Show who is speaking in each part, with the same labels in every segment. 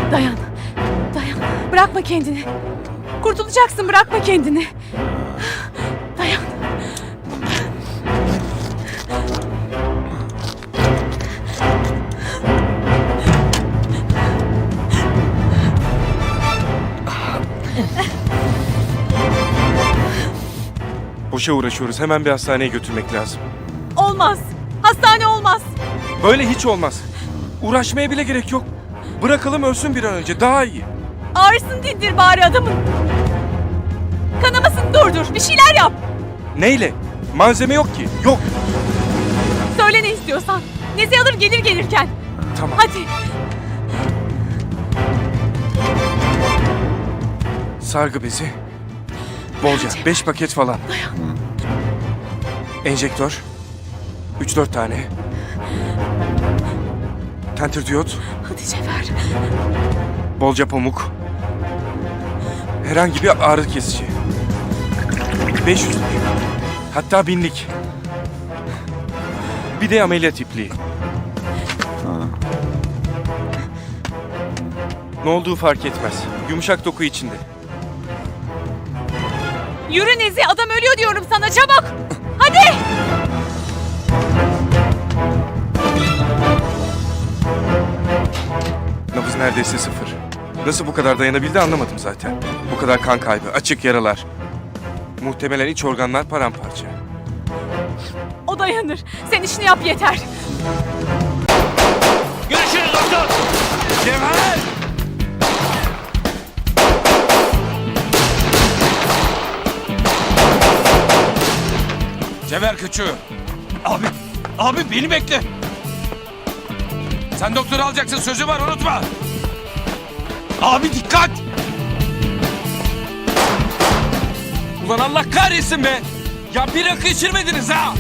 Speaker 1: Dayan. Dayan. Bırakma kendini. Kurtulacaksın, bırakma kendini. Dayan.
Speaker 2: Boşa uğraşıyoruz. Hemen bir hastaneye götürmek lazım.
Speaker 1: Olmaz. Hastane olmaz.
Speaker 2: Böyle hiç olmaz. Uğraşmaya bile gerek yok. Bırakalım ölsün bir an önce. Daha iyi.
Speaker 1: Ağrısını dindir bari adamın. Kanamasını durdur. Bir şeyler yap.
Speaker 2: Neyle? Malzeme yok ki. Yok.
Speaker 1: Söyle ne istiyorsan. Nezi alır gelir gelirken.
Speaker 2: Tamam.
Speaker 1: Hadi.
Speaker 2: Sargı bezi. Bolca. 5 paket falan. Enjektör. 3-4 tane. Tenter diyot.
Speaker 1: Hadi Cevher.
Speaker 2: Bolca pamuk. Herhangi bir ağrı kesici. 500'lük. Hatta 1000'lik. Bir de ameliyat ipliği. Ne olduğu fark etmez. Yumuşak doku içinde.
Speaker 1: Yürü Nezi, adam ölüyor diyorum sana, çabuk. Hadi.
Speaker 2: Nabız neredeyse 0. Nasıl bu kadar dayanabildi anlamadım zaten. Bu kadar kan kaybı, açık yaralar. Muhtemelen iç organlar paramparça.
Speaker 1: O dayanır. Sen işini yap yeter.
Speaker 3: Görüşürüz doktor.
Speaker 2: Cevher!
Speaker 3: Cevher kaçıyor. Abi beni bekle. Sen doktoru alacaksın, sözü var, unutma. Abi dikkat. Ulan Allah kahretsin be. Ya bir rakı içirmediniz ha.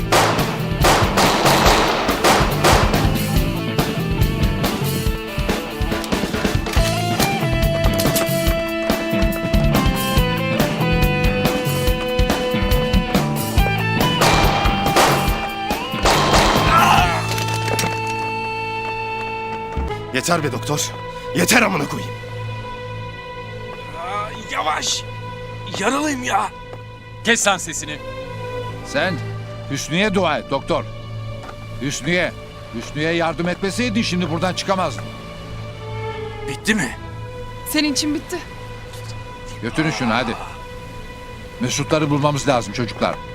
Speaker 4: Yeter be doktor. Yeter amına koyayım.
Speaker 3: Yavaş. Yaralıyım ya. Kes lan sesini.
Speaker 5: Sen Hüsnü'ye dua et doktor. Hüsnü'ye. Hüsnü'ye yardım etmeseydin şimdi buradan çıkamazdın.
Speaker 3: Bitti mi?
Speaker 1: Senin için bitti.
Speaker 5: Götürün şunu hadi. Mesutları bulmamız lazım çocuklar.